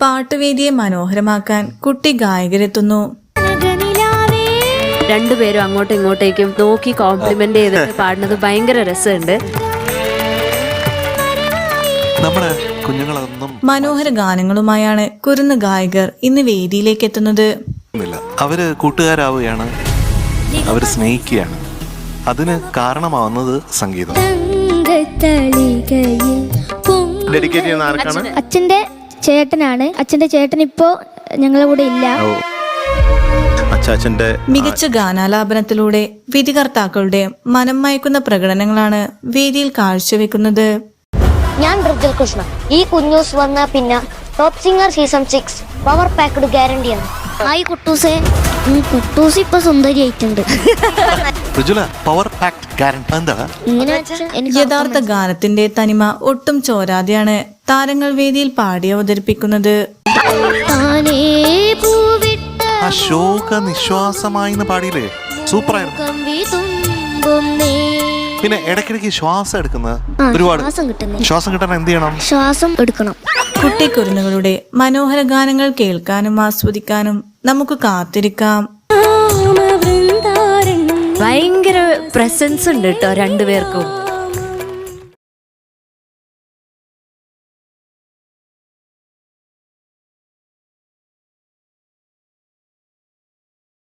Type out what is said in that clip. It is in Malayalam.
പാട്ടുവേദിയെ മനോഹരമാക്കാൻ കുട്ടി ഗായകരെത്തുന്നു. രണ്ടുപേരും അങ്ങോട്ടും ഇങ്ങോട്ടേക്കും നോക്കി കോംപ്ലിമെന്റ് ചെയ്തിട്ട് പാടുന്നത് ഭയങ്കര രസമുണ്ട്. മനോഹര ഗാനങ്ങളുമായാണ് കുരുന്ന് ഗായകർ ഇന്ന് വേദിയിലേക്ക് എത്തുന്നത്. അവര് കൂട്ടുകാരാവുകയാണ്, അവര് സ്നേഹിക്കുകയാണ്. അതിന് കാരണമാവുന്നത് സംഗീതം. ഡെഡിക്കേറ്റ് ചെയ്യുന്ന ആർക്കാണ്? അച്ഛന്റെ ചേട്ടനാണ്. അച്ഛന്റെ ചേട്ടൻ ഇപ്പോ ഞങ്ങളുടെ കൂടെ ഇല്ല. മികച്ച ഗാനാലാപനത്തിലൂടെ വിധികർത്താക്കളുടെ മനം മയക്കുന്ന പ്രകടനങ്ങളാണ് വേദിയിൽ കാഴ്ചവെക്കുന്നത്. ഞാൻ ബ്രിജൽ കൃഷ്ണ. ഈ കുഞ്ഞൂസ് വന്ന പിന്നെ top singer season 6 power packed ഗ്യാരണ്ടിയാണ്. ഹായ് കുട്ടൂസേ. കുട്ടൂസ് ഇപ്പൊ സുന്ദരിയായിട്ടുണ്ട്. യഥാർത്ഥ ഗാനത്തിന്റെ തനിമ ഒട്ടും ചോരാതെയാണ് താരങ്ങൾ വേദിയിൽ പാടി അവതരിപ്പിക്കുന്നത്. നിശ്വാസമായി പാടിയില്ലേ, സൂപ്പറായിരുന്നു. പിന്നെ ഇടയ്ക്കിടയ്ക്ക് ശ്വാസം എടുക്കുന്നത് ഒരുപാട് ശ്വാസം കിട്ടാൻ എന്ത് ചെയ്യണം? ശ്വാസം എടുക്കണം. കുട്ടിക്കുരുന്നുകളുടെ മനോഹര ഗാനങ്ങൾ കേൾക്കാനും ആസ്വദിക്കാനും നമുക്ക് കാത്തിരിക്കാം. ഭയങ്കര പ്രസൻസ് ഉണ്ട് കേട്ടോ രണ്ടുപേർക്കും.